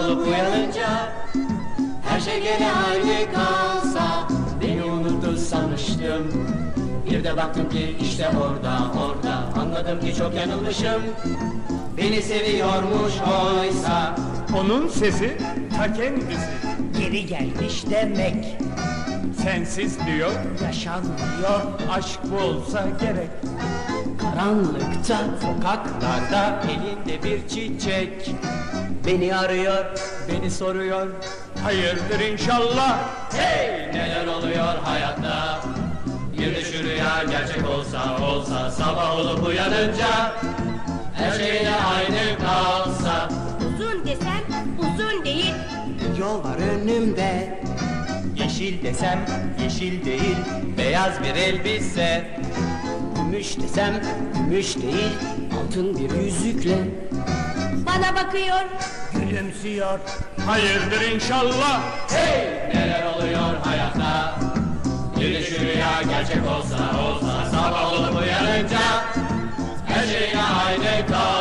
olup uyanınca her şey gene aynı kalsa, beni unuttu sanmıştım. Bir de baktım ki işte orada anladım ki çok yanılmışım. Beni seviyormuş oysa. Onun sesi ta kendisi. Geri gelmiş demek. Sensiz diyor, Yaşanmıyor. aşk bu olsa gerek. Karanlıkta, sokaklarda elinde bir çiçek beni arıyor, beni soruyor. Hayırdır inşallah. Hey, neler oluyor hayatta? Bir de şu rüya gerçek olsa sabah olup uyanınca her şey de aynı kalsa. Uzun desem uzun değil. Yol var önümde, yeşil desem yeşil değil, beyaz bir elbise. Gümüş desem gümüş değil, altın bir yüzükle Bana bakıyor. Gülümsüyor. Hayırdır inşallah. hey, neler oluyor hayatta? Bir de şu rüya gerçek olsa sabah olup uyanınca her şey aynı kalsa.